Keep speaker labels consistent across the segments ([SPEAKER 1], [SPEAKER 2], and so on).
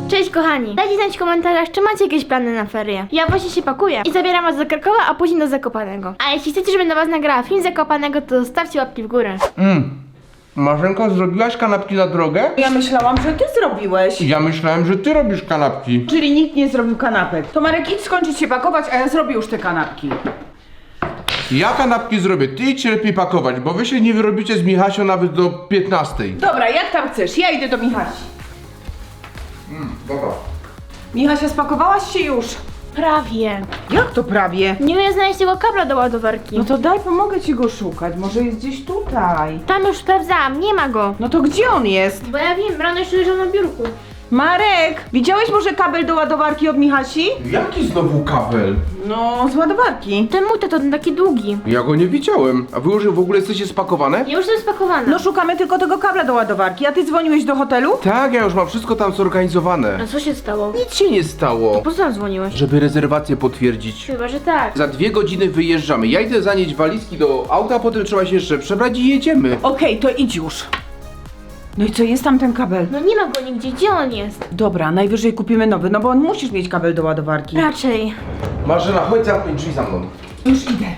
[SPEAKER 1] Cześć kochani, dajcie znać w komentarzach, czy macie jakieś plany na ferie. Ja właśnie się pakuję i zabieram was do Krakowa, a później do Zakopanego. A jeśli chcecie, żebym dla was nagrała film z Zakopanego, to zostawcie łapki w górę.
[SPEAKER 2] Marzenko, zrobiłaś kanapki na drogę?
[SPEAKER 3] Ja myślałam, że ty zrobiłeś.
[SPEAKER 2] Ja myślałem, że ty robisz kanapki.
[SPEAKER 3] Czyli nikt nie zrobił kanapek. To Marek, idź skończyć się pakować, a ja zrobię już te kanapki.
[SPEAKER 2] Ja kanapki zrobię, ty idź lepiej pakować, bo wy się nie wyrobicie z Michasią nawet do 15.
[SPEAKER 3] Dobra, jak tam chcesz, ja idę do Michasi.
[SPEAKER 2] Dobra.
[SPEAKER 3] Michasia, spakowałaś się już?
[SPEAKER 1] Prawie.
[SPEAKER 3] Jak to prawie?
[SPEAKER 1] Nie umiem znaleźć tego kabla do ładowarki.
[SPEAKER 3] No to daj, pomogę ci go szukać, może jest gdzieś tutaj.
[SPEAKER 1] Tam już sprawdzałam, nie ma go.
[SPEAKER 3] No to gdzie on jest?
[SPEAKER 1] Bo ja wiem, rano jeszcze leżał na biurku.
[SPEAKER 3] Marek, widziałeś może kabel do ładowarki od Michasi?
[SPEAKER 2] Jaki znowu kabel?
[SPEAKER 3] No, z ładowarki.
[SPEAKER 1] Ten mój to taki długi.
[SPEAKER 2] Ja go nie widziałem. A wy już w ogóle jesteście spakowane?
[SPEAKER 1] Ja już jestem spakowana.
[SPEAKER 3] No szukamy tylko tego kabla do ładowarki, a ty dzwoniłeś do hotelu?
[SPEAKER 2] Tak, ja już mam wszystko tam zorganizowane.
[SPEAKER 1] A co się stało?
[SPEAKER 2] Nic się nie stało.
[SPEAKER 1] Po co tam dzwoniłeś?
[SPEAKER 2] Żeby rezerwację potwierdzić.
[SPEAKER 1] Chyba, że tak.
[SPEAKER 2] Za 2 godziny wyjeżdżamy. Ja idę zanieść walizki do auta, a potem trzeba się jeszcze przebrać i jedziemy.
[SPEAKER 3] Okej, to idź już. No i co, jest tam ten kabel?
[SPEAKER 1] No nie ma go nigdzie, gdzie on jest?
[SPEAKER 3] Dobra, najwyżej kupimy nowy, no bo on musisz mieć kabel do ładowarki.
[SPEAKER 1] Raczej.
[SPEAKER 2] Marzena, chodź zamknąć drzwi za mną.
[SPEAKER 3] Już idę.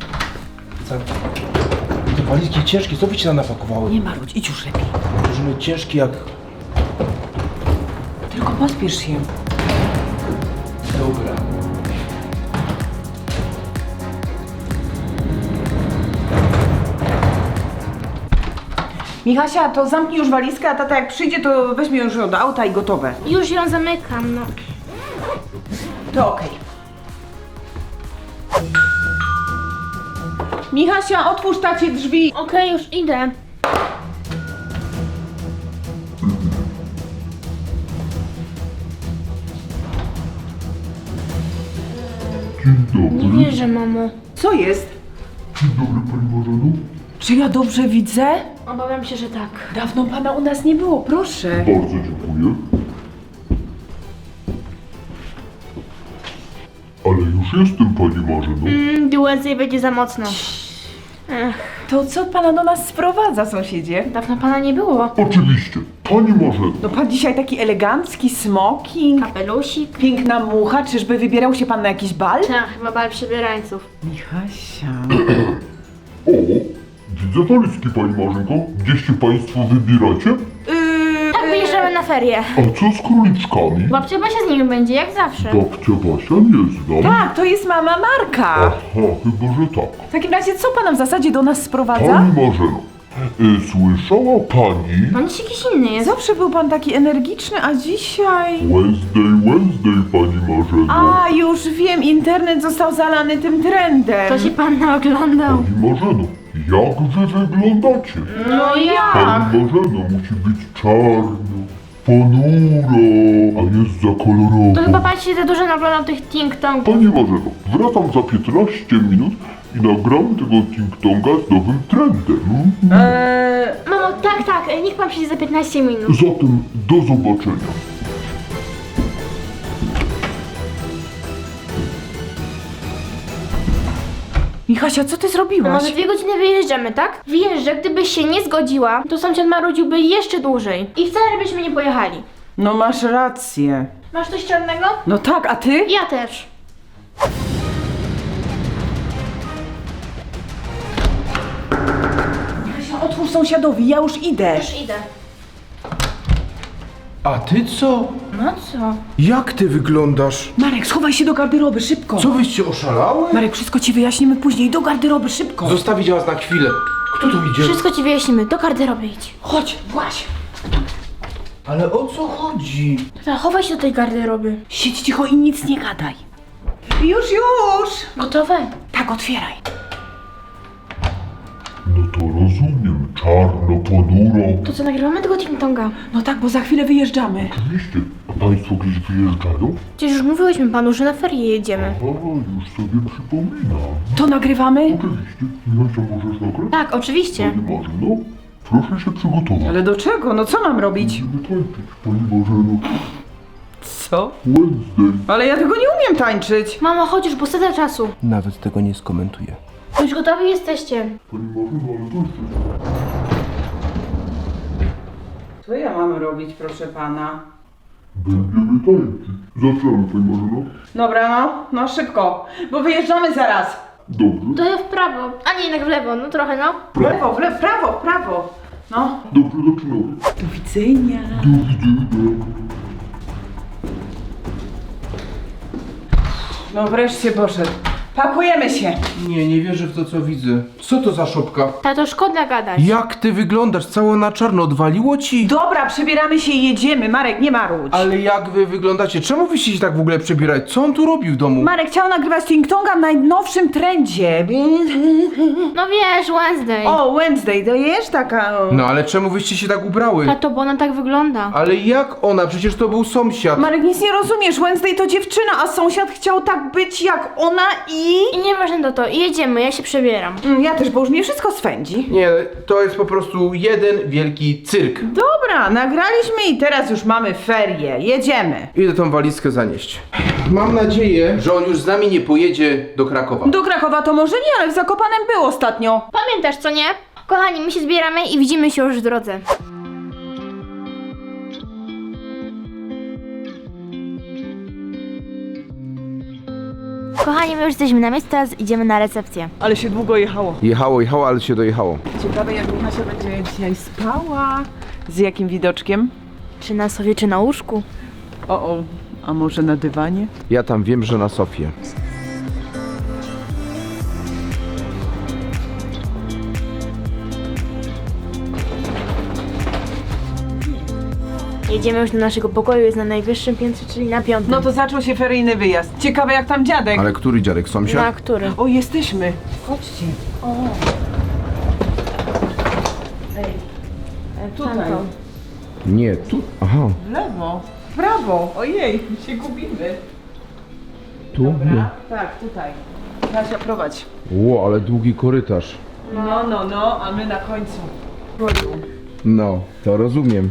[SPEAKER 2] Te walizki ciężkie, co byście tam napakowały?
[SPEAKER 3] Nie marudź, idź już lepiej.
[SPEAKER 2] Możemy ciężkie jak...
[SPEAKER 3] Tylko pospiesz się.
[SPEAKER 2] Dobra.
[SPEAKER 3] Michasia, to zamknij już walizkę, a tata jak przyjdzie, to weźmie już ją do auta i gotowe.
[SPEAKER 1] Już ją zamykam, no.
[SPEAKER 3] To okej. Michasia, otwórz tacie drzwi.
[SPEAKER 1] Okej, już idę. Nie wierzę, mamo.
[SPEAKER 3] Co jest?
[SPEAKER 4] Dzień dobry, pani Marzeno.
[SPEAKER 3] Czy ja dobrze widzę?
[SPEAKER 1] Obawiam się, że tak.
[SPEAKER 3] Dawno pana u nas nie było, proszę.
[SPEAKER 4] Bardzo dziękuję. Ale już jestem, pani Marzeno.
[SPEAKER 1] Więcej będzie za mocno.
[SPEAKER 3] To co pana do nas sprowadza, sąsiedzie?
[SPEAKER 1] Dawno pana nie było.
[SPEAKER 4] Oczywiście, pani Marzeno.
[SPEAKER 3] No pan dzisiaj taki elegancki, smoking,
[SPEAKER 1] Kapelusik.
[SPEAKER 3] piękna mucha, czyżby wybierał się pan na jakiś bal?
[SPEAKER 1] Tak, chyba bal przebierańców.
[SPEAKER 3] Michasia...
[SPEAKER 4] O, widzę walizki, pani Marzenko. Gdzieś się państwo wybieracie?
[SPEAKER 1] Tak, wyjeżdżamy na ferie.
[SPEAKER 4] A co z króliczkami?
[SPEAKER 1] Babcia Basia z nimi będzie, jak zawsze.
[SPEAKER 4] Babcia Basia nie znam.
[SPEAKER 3] Tak, to jest mama Marka.
[SPEAKER 4] Aha, chyba, że tak.
[SPEAKER 3] W takim razie co pana w zasadzie do nas sprowadza?
[SPEAKER 4] Pani Marzeno, słyszała pani?
[SPEAKER 1] On jest jakiś inny jest.
[SPEAKER 3] Zawsze był pan taki energiczny, a dzisiaj...
[SPEAKER 4] Wednesday, pani Marzeno.
[SPEAKER 3] A, już wiem, internet został zalany tym trendem.
[SPEAKER 1] To się pan naoglądał.
[SPEAKER 4] Pani Marzeno, jak wy wyglądacie?
[SPEAKER 3] No jak?
[SPEAKER 4] Pani Marzeno musi być czarno, ponuro, a jest za kolorowo.
[SPEAKER 1] To chyba pan się za dużo naoglądał tych ting-tongów.
[SPEAKER 4] Pani Marzeno, wracam za 15 minut i nagram tego ting-tonga z nowym trendem.
[SPEAKER 1] Mamo, tak, niech pan przyjdzie za 15 minut.
[SPEAKER 4] Zatem do zobaczenia.
[SPEAKER 3] Michasia, co ty
[SPEAKER 1] No
[SPEAKER 3] zrobiłaś?
[SPEAKER 1] może 2 godziny wyjeżdżamy, tak? Wiesz, że gdybyś się nie zgodziła, to sąsiad marudziłby jeszcze dłużej. I wcale byśmy nie pojechali.
[SPEAKER 3] No masz rację.
[SPEAKER 1] Masz coś czarnego?
[SPEAKER 3] No tak, a ty?
[SPEAKER 1] Ja też.
[SPEAKER 3] Michasia, otwórz sąsiadowi, ja już idę.
[SPEAKER 1] Już idę.
[SPEAKER 2] A ty co?
[SPEAKER 1] No co?
[SPEAKER 2] Jak ty wyglądasz?
[SPEAKER 3] Marek, schowaj się do garderoby, szybko.
[SPEAKER 2] Co wyście oszalały?
[SPEAKER 3] Marek, wszystko ci wyjaśnimy później, do garderoby, szybko.
[SPEAKER 2] Zostawić was na chwilę. Kto tu idzie?
[SPEAKER 1] Wszystko ci wyjaśnimy, do garderoby idź.
[SPEAKER 3] Chodź, właź.
[SPEAKER 2] Ale o co chodzi?
[SPEAKER 1] Tata, chowaj się do tej garderoby.
[SPEAKER 3] Siedź cicho i nic nie gadaj. Już!
[SPEAKER 1] Gotowe?
[SPEAKER 3] Tak, otwieraj.
[SPEAKER 4] No to rozumiem, czarno, ponuro.
[SPEAKER 1] To co, nagrywamy tego ting-tonga?
[SPEAKER 3] No tak, bo za chwilę wyjeżdżamy.
[SPEAKER 4] Oczywiście, a państwo gdzieś wyjeżdżają?
[SPEAKER 1] Przecież już mówiłyśmy panu, że na ferie jedziemy.
[SPEAKER 4] A, już sobie przypominam.
[SPEAKER 3] To nagrywamy?
[SPEAKER 4] Oczywiście, Michasia, możesz nagrać?
[SPEAKER 1] Tak, oczywiście.
[SPEAKER 4] Pani Marzeno, proszę się przygotować.
[SPEAKER 3] Ale do czego? No co mam robić?
[SPEAKER 4] Będziemy tańczyć, pani Marzeno.
[SPEAKER 3] Co?
[SPEAKER 4] Wednesday.
[SPEAKER 3] Ale ja tego nie umiem tańczyć.
[SPEAKER 1] Mamo, chodź już, bo strata czasu.
[SPEAKER 2] Nawet tego nie skomentuję.
[SPEAKER 1] Już gotowi jesteście.
[SPEAKER 4] Pani Marzeno, ale to jest...
[SPEAKER 3] Co ja mam robić, proszę pana?
[SPEAKER 4] Będziemy tańczyć. Zaczynamy, pani Marzeno.
[SPEAKER 3] Dobra, no szybko, bo wyjeżdżamy zaraz.
[SPEAKER 4] Dobrze.
[SPEAKER 1] To ja w prawo, a nie jednak w lewo, no trochę no.
[SPEAKER 3] W lewo, prawo, prawo. No.
[SPEAKER 4] Dobrze, zaczynamy.
[SPEAKER 3] Do widzenia.
[SPEAKER 4] Do widzenia.
[SPEAKER 3] No wreszcie poszedł. Pakujemy się.
[SPEAKER 2] Nie wierzę w to, co widzę. Co to za szopka?
[SPEAKER 1] Tato, szkoda gadać.
[SPEAKER 2] Jak ty wyglądasz? Cała na czarno, odwaliło ci?
[SPEAKER 3] Dobra, przebieramy się i jedziemy. Marek, nie marudź.
[SPEAKER 2] Ale jak wy wyglądacie? Czemu wy się tak w ogóle przebierać? Co on tu robi w domu?
[SPEAKER 3] Marek chciał nagrywać Ting-Tonga w najnowszym trendzie.
[SPEAKER 1] No wiesz, Wednesday.
[SPEAKER 3] O, Wednesday, to jest taka... o.
[SPEAKER 2] No ale czemu wyście się tak ubrały?
[SPEAKER 1] Tato, bo ona tak wygląda.
[SPEAKER 2] Ale jak ona? Przecież to był sąsiad.
[SPEAKER 3] Marek, nic nie rozumiesz. Wednesday to dziewczyna, a sąsiad chciał tak być jak ona i...
[SPEAKER 1] I nieważne to, jedziemy, ja się przebieram.
[SPEAKER 3] Ja też, bo już mnie wszystko swędzi.
[SPEAKER 2] Nie, to jest po prostu jeden wielki cyrk.
[SPEAKER 3] Dobra, nagraliśmy i teraz już mamy ferie. Jedziemy.
[SPEAKER 2] Idę tą walizkę zanieść. Mam nadzieję, że on już z nami nie pojedzie do Krakowa.
[SPEAKER 3] Do Krakowa to może nie, ale w Zakopanem był ostatnio.
[SPEAKER 1] Pamiętasz, co nie? Kochani, my się zbieramy i widzimy się już w drodze. Kochani, my już jesteśmy na miejscu, teraz idziemy na recepcję.
[SPEAKER 3] Ale się długo jechało.
[SPEAKER 2] Jechało, ale się dojechało.
[SPEAKER 3] Ciekawe, jak Michasia będzie dzisiaj spała. Z jakim widoczkiem?
[SPEAKER 1] Czy na sofie, czy na łóżku?
[SPEAKER 3] O, a może na dywanie?
[SPEAKER 2] Ja tam wiem, że na Sofię.
[SPEAKER 1] Jedziemy już do naszego pokoju, jest na najwyższym piętrze, czyli na 5.
[SPEAKER 3] No to zaczął się feryjny wyjazd. Ciekawe, jak tam dziadek.
[SPEAKER 2] Ale który dziadek?
[SPEAKER 1] Na
[SPEAKER 2] Sąsiad?
[SPEAKER 1] który?
[SPEAKER 3] O, jesteśmy. Chodźcie. O. Ej, tutaj.
[SPEAKER 1] Tamtą.
[SPEAKER 2] Nie, tu. Aha,
[SPEAKER 3] W lewo. W prawo. Ojej, się gubimy.
[SPEAKER 2] tu?
[SPEAKER 3] Dobra? Tak, tutaj. Kasia, prowadź.
[SPEAKER 2] Ło, ale długi korytarz.
[SPEAKER 3] No, a my na końcu.
[SPEAKER 2] No, to rozumiem.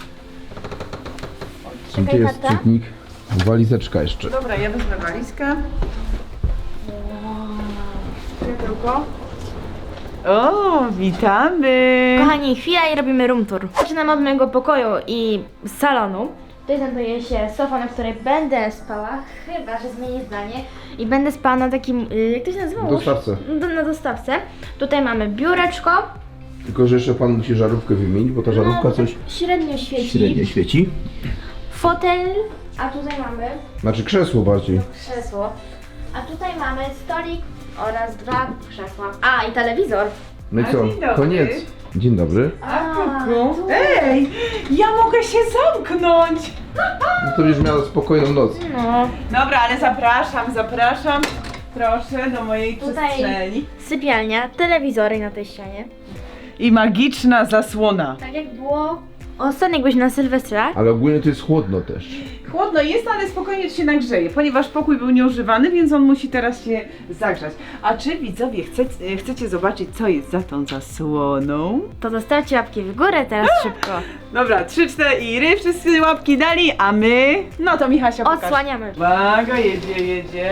[SPEAKER 2] Gdzie jest
[SPEAKER 1] tata.
[SPEAKER 2] czytnik? Walizeczka jeszcze.
[SPEAKER 3] Dobra, ja wezmę walizkę.
[SPEAKER 1] Światełko.
[SPEAKER 3] O, witamy.
[SPEAKER 1] Kochani, chwila i robimy room tour. Zaczynamy od mojego pokoju i salonu. Tutaj znajduje się sofa, na której będę spała, chyba że zmienię zdanie. I będę spała na takim, jak to się nazywa?
[SPEAKER 2] Dostawce.
[SPEAKER 1] Na dostawce. Tutaj mamy biureczko.
[SPEAKER 2] Tylko, że jeszcze pan musi żarówkę wymienić, bo ta żarówka
[SPEAKER 1] No,
[SPEAKER 2] coś
[SPEAKER 1] średnio świeci.
[SPEAKER 2] średnio świeci.
[SPEAKER 1] Fotel, a tutaj mamy
[SPEAKER 2] Znaczy krzesło bardziej.
[SPEAKER 1] krzesło. A tutaj mamy stolik oraz 2 krzesła. A, i telewizor.
[SPEAKER 2] No i
[SPEAKER 3] A,
[SPEAKER 2] co?
[SPEAKER 3] dzień dobry.
[SPEAKER 2] Koniec. Dzień dobry.
[SPEAKER 3] A, kuku. Ej, ja mogę się zamknąć.
[SPEAKER 2] No to już miała spokojną noc.
[SPEAKER 1] No,
[SPEAKER 3] Dobra, ale zapraszam. Proszę do mojej
[SPEAKER 1] Tutaj-
[SPEAKER 3] przestrzeni.
[SPEAKER 1] sypialnia, telewizory na tej ścianie.
[SPEAKER 3] I magiczna zasłona.
[SPEAKER 1] Tak jak było ostatnio, jak byliśmy na Sylwestra.
[SPEAKER 2] Ale ogólnie to jest chłodno też.
[SPEAKER 3] Chłodno jest, ale spokojnie się nagrzeje, ponieważ pokój był nieużywany, więc on musi teraz się zagrzać. A czy widzowie chcecie zobaczyć, co jest za tą zasłoną?
[SPEAKER 1] To zostawcie łapki w górę teraz szybko.
[SPEAKER 3] Dobra, 3, 4, wszyscy łapki dali, a my... No to Michasia pokaż.
[SPEAKER 1] Odsłaniamy.
[SPEAKER 3] Uwaga, jedzie.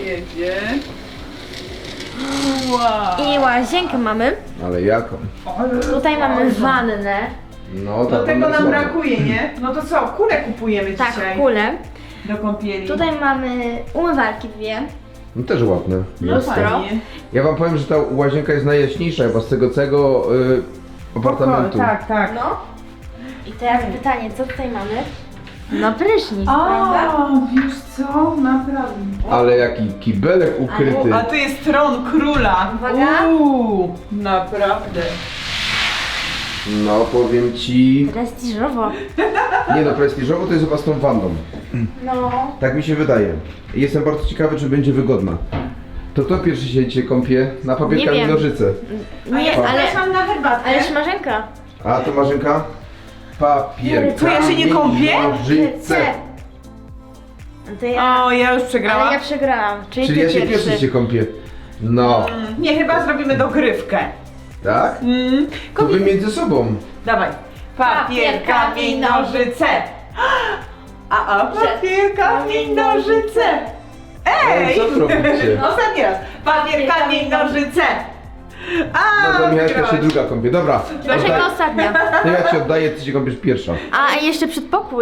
[SPEAKER 3] Wow.
[SPEAKER 1] I łazienkę mamy.
[SPEAKER 2] Ale jaką?
[SPEAKER 1] Tutaj mamy wannę.
[SPEAKER 2] No,
[SPEAKER 3] Do tego nam brakuje, nie? No to co, kulę kupujemy
[SPEAKER 1] Tak,
[SPEAKER 3] dzisiaj
[SPEAKER 1] kulę.
[SPEAKER 3] do kąpieli.
[SPEAKER 1] Tutaj mamy umywalki 2.
[SPEAKER 2] No też ładne.
[SPEAKER 3] No fajnie.
[SPEAKER 2] Ja wam powiem, że ta łazienka jest najjaśniejsza chyba z tego całego apartamentu.
[SPEAKER 3] Tak.
[SPEAKER 1] No. I teraz pytanie, co tutaj mamy? No prysznic, prawda?
[SPEAKER 3] A, wiesz co? Naprawdę.
[SPEAKER 2] Ale jaki kibelek ukryty.
[SPEAKER 3] A tu jest tron króla.
[SPEAKER 1] Uwaga.
[SPEAKER 3] Naprawdę.
[SPEAKER 2] No powiem ci.
[SPEAKER 1] Prestiżowo.
[SPEAKER 2] Nie no, prestiżowo to jest chyba z tą wanną.
[SPEAKER 1] No.
[SPEAKER 2] Tak mi się wydaje. Jestem bardzo ciekawy, czy będzie wygodna. To kto pierwszy się dzisiaj kąpie? Na papier,
[SPEAKER 1] Nie
[SPEAKER 2] kamień,
[SPEAKER 1] wiem.
[SPEAKER 2] nożyce.
[SPEAKER 1] Nie, ale
[SPEAKER 3] Zapraszam na herbatkę.
[SPEAKER 1] Marzenka.
[SPEAKER 2] A to Marzenka? Papier,
[SPEAKER 3] To ja się nie kąpię?
[SPEAKER 2] nożyce.
[SPEAKER 1] To ja.
[SPEAKER 3] O, ja już
[SPEAKER 1] Ale
[SPEAKER 3] przegrałam.
[SPEAKER 1] ja przegrałam. Czyli
[SPEAKER 2] Czyli
[SPEAKER 1] ty
[SPEAKER 2] ja się pierwszy się kąpię. No,
[SPEAKER 3] Nie, chyba zrobimy dogrywkę.
[SPEAKER 2] tak? To wy między sobą.
[SPEAKER 3] Dawaj. Papier, kamień, nożyce. Papier, kamień, nożyce. Ej!
[SPEAKER 2] Co wy robicie?
[SPEAKER 3] Ostatni raz. Papier, kamień, nożyce.
[SPEAKER 2] No to Michaśka się
[SPEAKER 3] wygrałaś.
[SPEAKER 2] druga kąpie. Dobra,
[SPEAKER 1] Marzenka ostatnia.
[SPEAKER 2] to ja ci oddaję, ty się kąpiesz pierwsza.
[SPEAKER 1] A jeszcze przedpokój.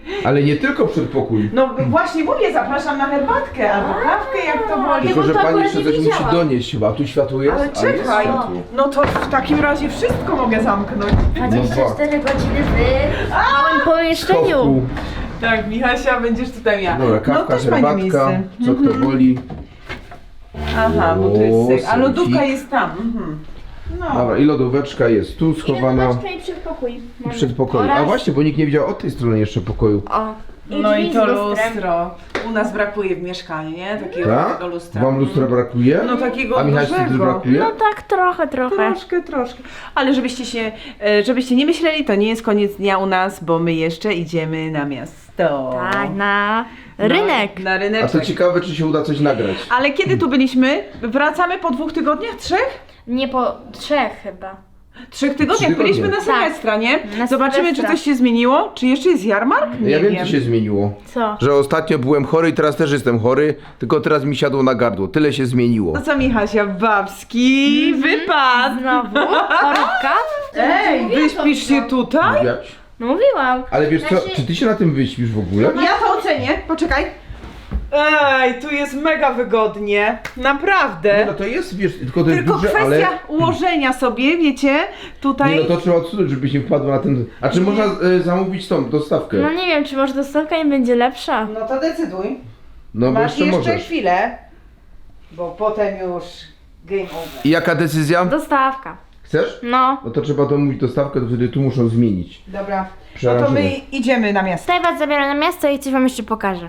[SPEAKER 2] Ale nie tylko przedpokój.
[SPEAKER 3] No właśnie mówię, zapraszam na herbatkę albo kawkę, jak to woli.
[SPEAKER 2] Tylko, że
[SPEAKER 1] to
[SPEAKER 2] pani
[SPEAKER 1] akurat
[SPEAKER 2] jeszcze
[SPEAKER 1] nie
[SPEAKER 2] coś musi
[SPEAKER 1] widziałam.
[SPEAKER 2] donieść chyba. Tu światło jest?
[SPEAKER 3] Ale
[SPEAKER 2] A jest
[SPEAKER 3] czekaj,
[SPEAKER 2] światło.
[SPEAKER 3] no to w takim razie wszystko mogę zamknąć.
[SPEAKER 1] 24 godziny w małym pomieszczeniu.
[SPEAKER 2] Schowku.
[SPEAKER 3] Tak, Michasia, będziesz tutaj miała.
[SPEAKER 2] Dobra, kawka,
[SPEAKER 3] no też fajne
[SPEAKER 2] herbatka,
[SPEAKER 3] miejsce.
[SPEAKER 2] co kto woli.
[SPEAKER 3] Aha, bo to jest syk. A
[SPEAKER 2] O,
[SPEAKER 3] lodówka
[SPEAKER 2] sofik.
[SPEAKER 3] jest tam. Mhm. No.
[SPEAKER 2] Dobra, i lodóweczka jest tu schowana
[SPEAKER 1] I przedpokój.
[SPEAKER 2] w przedpokoju. A właśnie, bo nikt nie widział od tej strony jeszcze pokoju.
[SPEAKER 1] O.
[SPEAKER 3] No i
[SPEAKER 1] drzwi
[SPEAKER 3] to
[SPEAKER 1] z lustrem.
[SPEAKER 3] lustro. U nas brakuje w mieszkaniu, nie? Takiego
[SPEAKER 2] Tak?
[SPEAKER 3] takiego lustra.
[SPEAKER 2] Wam lustra brakuje?
[SPEAKER 3] No takiego
[SPEAKER 2] A Michaśce też
[SPEAKER 3] dużego.
[SPEAKER 2] brakuje?
[SPEAKER 1] No tak, trochę.
[SPEAKER 3] Troszkę. Ale żebyście nie myśleli, to nie jest koniec dnia u nas, bo my jeszcze idziemy na miasto.
[SPEAKER 1] Tak, na rynek.
[SPEAKER 3] Na
[SPEAKER 2] A
[SPEAKER 3] ryneczek.
[SPEAKER 2] to ciekawe, czy się uda coś nagrać.
[SPEAKER 3] Ale kiedy tu byliśmy? Wracamy po 2 tygodniach? 3?
[SPEAKER 1] Nie po 3 chyba.
[SPEAKER 3] 3 tygodniach.
[SPEAKER 2] 3 tygodnie.
[SPEAKER 3] Byliśmy na Sylwestra, nie?
[SPEAKER 1] Na
[SPEAKER 3] Zobaczymy,
[SPEAKER 1] Sylwestra.
[SPEAKER 3] czy coś się zmieniło. Czy jeszcze jest jarmark? Nie
[SPEAKER 2] Ja wiem, co się zmieniło.
[SPEAKER 1] Co?
[SPEAKER 2] Że ostatnio byłem chory i teraz też jestem chory, tylko teraz mi siadło na gardło. Tyle się zmieniło.
[SPEAKER 3] No co, Michasia, babski wypad!
[SPEAKER 1] Znowu? Chorobka?
[SPEAKER 3] Ej, wyśpisz się tutaj?
[SPEAKER 2] Mówiłaś?
[SPEAKER 1] No mówiłam.
[SPEAKER 2] Ale wiesz co,
[SPEAKER 1] Znaczy-
[SPEAKER 2] czy ty się na tym wyśpisz w ogóle?
[SPEAKER 3] Ja to ocenię, poczekaj. Ej, tu jest mega wygodnie. Naprawdę.
[SPEAKER 2] Nie, no to jest, wiesz, tylko to jest
[SPEAKER 3] Tylko
[SPEAKER 2] duże,
[SPEAKER 3] kwestia
[SPEAKER 2] ale...
[SPEAKER 3] ułożenia sobie, wiecie, tutaj.
[SPEAKER 2] Nie, no to trzeba odsunąć, żebyś nie wpadła na ten... A czy można zamówić tą dostawkę?
[SPEAKER 1] No nie wiem, czy może dostawka nie będzie lepsza.
[SPEAKER 3] No to decyduj.
[SPEAKER 2] No bo
[SPEAKER 3] Masz
[SPEAKER 2] jeszcze
[SPEAKER 3] jeszcze
[SPEAKER 2] możesz.
[SPEAKER 3] chwilę, bo potem już game over.
[SPEAKER 2] I jaka decyzja?
[SPEAKER 1] Dostawka.
[SPEAKER 2] Chcesz?
[SPEAKER 1] No.
[SPEAKER 2] No to trzeba domówić dostawkę, to wtedy tu muszą zmienić.
[SPEAKER 3] Dobra, no to
[SPEAKER 2] Przerażone.
[SPEAKER 3] my idziemy na miasto.
[SPEAKER 1] Tutaj was zabieram na miasto i coś wam jeszcze pokażę.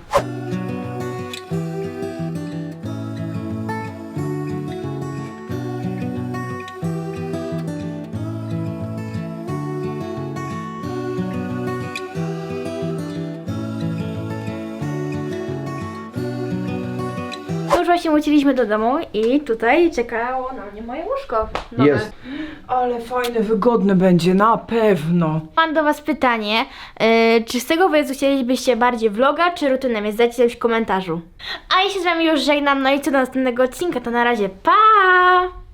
[SPEAKER 1] Już właśnie wróciliśmy do domu i tutaj czekało na mnie moje łóżko. nowe.
[SPEAKER 2] Jest.
[SPEAKER 3] Ale fajne, wygodne będzie, na pewno.
[SPEAKER 1] Mam do was pytanie, czy z tego wyjazdu chcielibyście bardziej vloga, czy rutynę, więc dajcie coś w komentarzu. A ja się z wami już żegnam, no i co do następnego odcinka, to na razie, pa!